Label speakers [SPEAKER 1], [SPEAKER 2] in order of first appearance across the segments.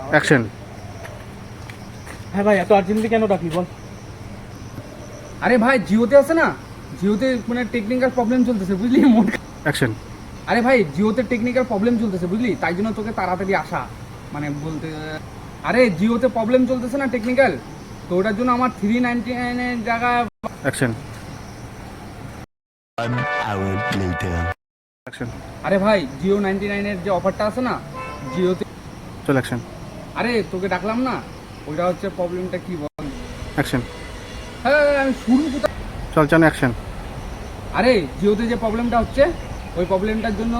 [SPEAKER 1] Action.
[SPEAKER 2] হ্যাঁ ভাই, এত আর্জেন্টলি কেন ডাকলি বল?
[SPEAKER 3] আরে ভাই জিওতে আছে না, জিওতে মানে টেকনিক্যাল প্রবলেম চলতেছে বুঝলি
[SPEAKER 1] অ্যাকশন।
[SPEAKER 3] আরে ভাই জিওতে টেকনিক্যাল প্রবলেম চলতেছে বুঝলি, তাই জন্য তোকে তাড়াতাড়ি আসা মানে বলতে। আরে জিওতে প্রবলেম চলতেছে না টেকনিক্যাল, তো ওটার জন্য আমার 399 জায়গায়।
[SPEAKER 1] অ্যাকশন।
[SPEAKER 3] আরে ভাই জিও 99 যে অফারটা আছে না জিওতে,
[SPEAKER 1] চল অ্যাকশন।
[SPEAKER 3] আরে তোকে ডাকলাম না, ওইটা হচ্ছে প্রবলেমটা কি বল।
[SPEAKER 1] অ্যাকশন।
[SPEAKER 3] হ্যাঁ আমি শুরু কোথায়।
[SPEAKER 1] চল চল অ্যাকশন।
[SPEAKER 3] আরে জিওতে যে প্রবলেমটা হচ্ছে ওই প্রবলেমটার জন্য।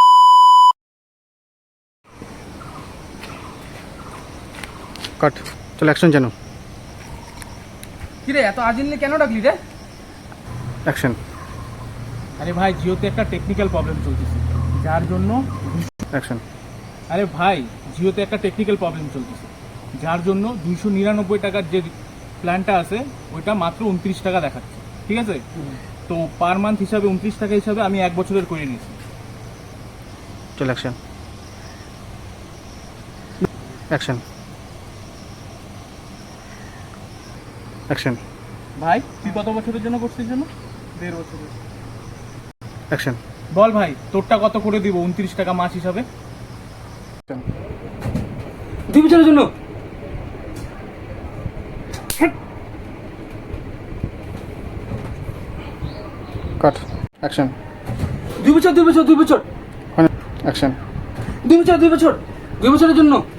[SPEAKER 1] কাট। চল অ্যাকশন জানো।
[SPEAKER 3] কিরে এত আর্জেন্টলি কেন ডাকলি রে?
[SPEAKER 1] অ্যাকশন।
[SPEAKER 2] আরে ভাই জিওতে একটা টেকনিক্যাল প্রবলেম চলতেছে যার জন্য।
[SPEAKER 1] অ্যাকশন।
[SPEAKER 2] আরে ভাই জিওতে একটা টেকনিক্যাল প্রবলেম চলতেছে যার জন্য 299 টাকার যে প্ল্যানটা আছে ওইটা মাত্র 29 টাকা দেখাচ্ছে, ঠিক আছে? তো পার মান্থ হিসাবে 29 টাকা হিসাবে আমি 1 বছরের করে নিয়েছি।
[SPEAKER 1] চল অ্যাকশন। অ্যাকশন। অ্যাকশন।
[SPEAKER 2] ভাই তুই কত বছরের জন্য করছিস জন্য? 1.5 বছরের।
[SPEAKER 1] অ্যাকশন।
[SPEAKER 2] বল ভাই তোরটা কত করে দিব 29 টাকা মাস হিসাবে?
[SPEAKER 3] 2 বছরের জন্য।
[SPEAKER 1] কাট। অ্যাকশন।
[SPEAKER 3] 2 বছর 2 বছর 2 বছর
[SPEAKER 1] অ্যাকশন।
[SPEAKER 3] 2 বছর 2 বছর 2 বছরের জন্য।